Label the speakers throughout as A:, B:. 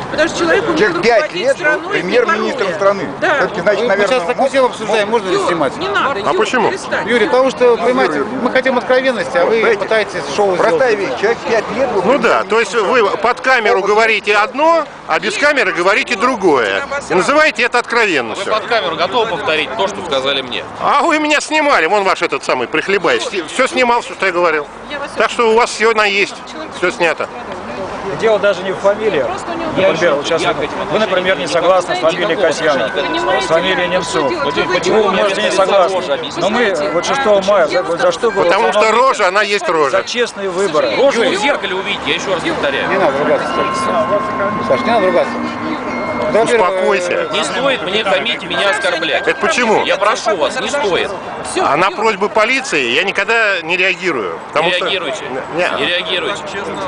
A: Потому что человек умеет
B: Через 5
A: руководить
B: лет
A: страной
B: премьер-министром страны.
A: Да.
B: Все-таки, значит,
C: Мы
B: наверное,
C: сейчас такую тему обсуждаем, можно ли снимать?
A: Не надо,
D: А почему?
A: перестань.
C: Юрий, потому что, понимаете, мы хотим откровенности, а вы пытаетесь шоу
B: простая
C: сделать.
B: вещь. Человек 5 лет был...
D: Ну да, то есть вы под камеру говорите одно, а без камеры говорите другое. И называете это
E: Вы
D: откровенностью.
E: под камеру готовы повторить то, что сказали мне?
D: А вы меня снимали, вон ваш этот самый прихлебач. Все снимал, все, что я говорил. Так что у вас все есть, все снято.
F: Дело даже не в фамилии. Например, вот сейчас вы, например, не согласны с фамилией Касьянов, с фамилией Немцов. Почему вы можете не согласны? Но мы вот 6 мая, за что было?
D: Потому что рожа, она есть
F: За
D: рожа.
F: честные выборы.
E: Рожу в зеркале увидите, я еще раз повторяю.
C: Не надо ругаться, Саш, не надо ругаться.
D: Успокойся.
E: Не стоит мне хамить, меня оскорблять.
D: Это почему?
E: Я прошу вас, не стоит.
D: А на просьбы полиции я никогда не реагирую.
E: Не
D: Потому что...
E: реагируйте.
D: Не.
E: Не реагируйте.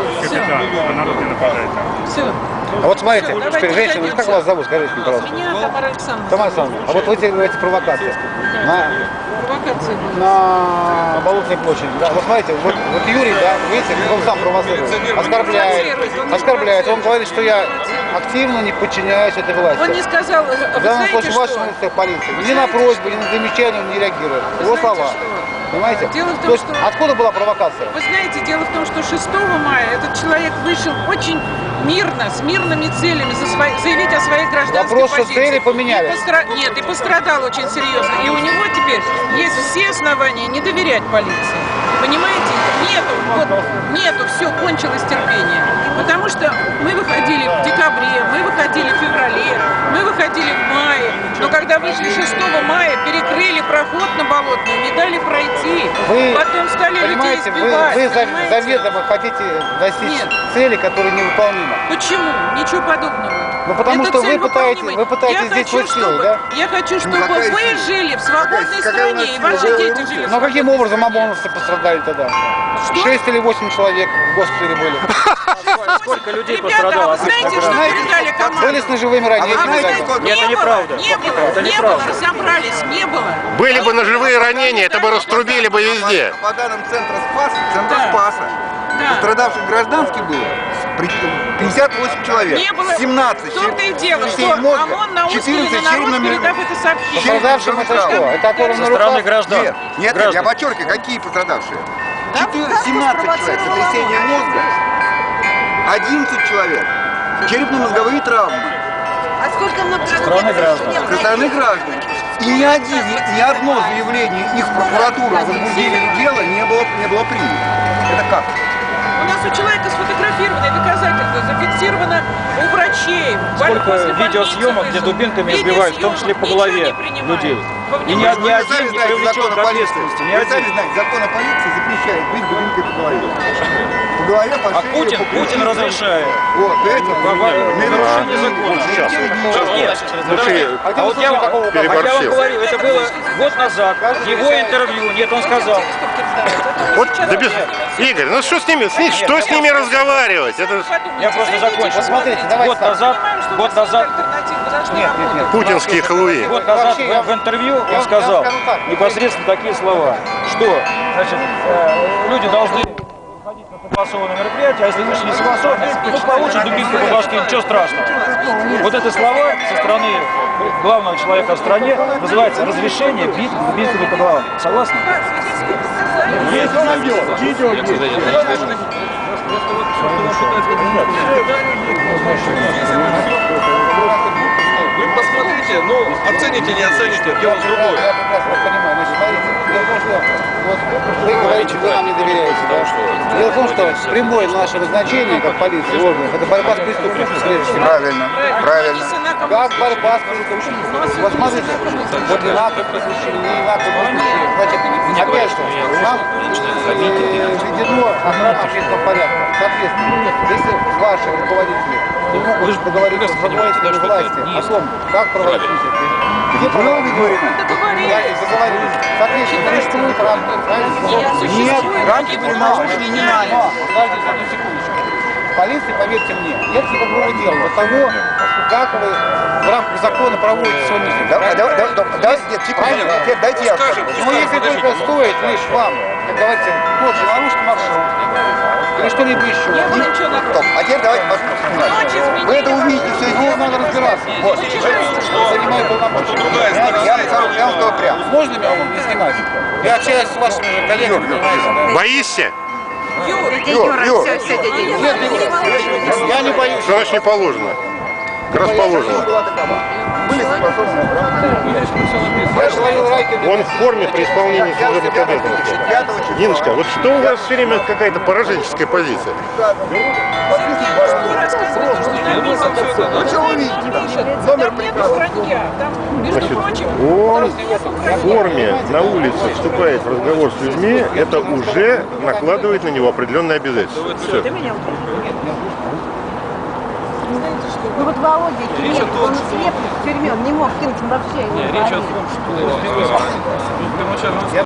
A: Все.
C: А вот смотрите, теперь женщина, как вас зовут, скажите мне, пожалуйста.
A: Меня Тамара Александровна.
C: Тамара Александровна, а вот вы делаете провокации
A: Провокация была.
C: на Болотной площади. Да, вот смотрите, вот Юрий, да, видите, он сам провоцирует, оскорбляет. Он говорит, что я активно не подчиняюсь этой власти.
A: Он не сказал, вы
C: В данном
A: знаете,
C: случае
A: что?
C: вашей полиции. Ни на просьбу, ни на замечание он не реагирует. Его
A: знаете,
C: слова.
A: что?
C: Понимаете?
A: Дело в том,
C: То есть
A: что-
C: откуда была провокация?
A: Вы знаете, дело в том, что 6 мая этот человек вышел очень мирно, с мирными целями заявить о своей гражданской
C: Вопрос, что
A: позиции.
C: цели поменялись.
A: Нет, и пострадал очень серьезно. И у него теперь есть все основания не доверять полиции. Понимаете? Нету, все, кончилось терпение. Потому что мы выходили в декабре, мы выходили в феврале, мы выходили в мае. Но когда вышли 6 мая, перекрыли проход на Болотную, не дали пройти.
C: Вы
A: Потом стали людей
C: понимаете,
A: избивать.
C: вы
A: понимаете?
C: заведомо хотите достичь
A: Нет.
C: цели, которые невыполнимы.
A: Почему? Ничего подобного.
C: Ну, потому
A: Эта
C: что
A: цель
C: вы пытаетесь
A: выполнима.
C: здесь свой силой, да?
A: Я хочу, чтобы
B: какая
A: вы
B: сила?
A: жили в свободной
B: Какая у нас
A: стране, и
B: сила?
A: ваши дети жили в
C: Но каким образом ОМОНовцы пострадали тогда? 6 или 8 человек в госпитале были.
F: Сколько людей
A: Ребята,
F: пострадало?
A: а вы знаете, что передали команду?
C: Были с ножевыми ранениями.
A: А вы знаете,
C: ребята.
A: сколько?
F: Это неправда.
A: Не было,
F: Это
A: не
F: неправда.
A: было, разобрались, не было.
D: Были бы ножевые ранения, это бы раструбили бы везде.
B: По данным Центра
A: Да.
B: Спаса,
A: Да.
B: пострадавших гражданских было 58 человек.
A: Не было.
B: 17
A: В том-то и дело, что
B: частей мозга,
A: ОМОН на
B: 14
A: народ,
B: черепно-мозговых.
A: передав это сообщение.
C: Пострадавшим это что? Это оторвано
F: Со
C: на
F: стороны
C: руках?
F: граждан.
B: Нет, я
F: Граждан.
B: подчеркиваю, какие пострадавшие. 17 человек, сотрясение мозга, 11 человек, черепно-мозговые травмы.
G: А сколько много
F: Со стороны граждан.
B: Со стороны граждан. И ни одно заявление их в прокуратуру о возбуждении дела не было принято. Это как?
A: У нас у человека сфотографированное доказательство, зафиксировано у врачей.
F: Сколько
A: После
F: видеосъемок,
A: больницы
F: где
A: вышел.
F: дубинками избивают, в том числе по
A: Ничего
F: голове
A: не принимают.
F: людей.
A: Во
F: И ни
A: внимание.
F: один не привлечен к ответственности. Ни
B: Вы сами
F: один.
B: знаете, закон о полиции запрещает бить дубинкой по голове. По голове, по
F: А
B: шее, по
F: Путин
B: плечу.
F: разрешает.
B: Вот, поэтому
F: Нарушение закона.
D: Сейчас.
F: Нет,
D: Слушай,
F: а вот я вам
D: переборщил.
F: говорю, это было год назад, его интервью, нет, он сказал.
D: Вот, да без... Игорь, ну что с ними, что с ними разговаривать? Это...
F: Я просто закончу.
C: Посмотрите, давайте
F: Год
C: так.
F: назад,
C: Нет.
D: Путинские халуи.
F: год назад
C: Вообще, я-
F: в интервью
C: я
F: он сказал
C: скажу так.
F: непосредственно такие слова, что значит, люди должны ходить на согласованные мероприятия, а если вышли не согласованные, ну получат дубинку по башке, ничего страшного. Вот эти слова со стороны главного человека в стране называется разрешение бить дубинками по головам. Согласны?
E: Вы посмотрите, ну, оцените, не оцените, дело другое.
C: Я прекрасно понимаю. Значит, смотрите, дело в том, что вот вы говорите, вы нам не доверяете, да? Дело в том, что прямое наше назначение, как полиции, органов, это борьба с преступностью, прежде всего.
B: Правильно, правильно.
C: Как борьба с преступностью? Вот смотрите, вот не надо преступление, не надо преступление. Значит, опять же, нам введено охрана общественного порядка. Соответственно, если ваши руководители не могут договориться с руководителями власти о том, как проводить митинги, где проводить договорились. Соответственно, существуют рамки, правильно? Нет, рамки полномочий не надо. Подождите одну секундочку. Полиция, поверьте мне, нет никакого дела до того, как вы в рамках закона проводите свой митинг.
B: Нет, правильно, теперь дайте я скажу.
C: Ну, если только стоит лишь вам, как говорится, тот же нарушить маршрут или что-либо еще.
A: Не было ничего нарушено.
B: Стоп, а теперь давайте посмотрим.
A: Ночь изменили.
B: Вы это увидите
C: сейчас надо разбираться. Вот. Занимаю полномочия.
E: другая сторона.
C: Я вам скажу прямо. Можно меня изгнать? Я общаюсь с вашими же коллегами, понимаете, да?
D: Боишься?
C: Нет, я не боюсь.
D: Что значит не положено? Как раз положено.
B: Были согласованы
C: Я же ловил Райкина.
D: Он в форме при исполнении служебных обязанностей. Ниночка, вот что у вас все время какая-то пораженческая позиция?
B: Ну что вы видите? Номер приказа.
D: Значит, он в форме на улице вступает в разговор с людьми, это уже накладывает на него определенные обязательства. Все.
G: Ну вот Володя Киреев, он слеп в тюрьме, он не мог кинуть, он вообще не говорил.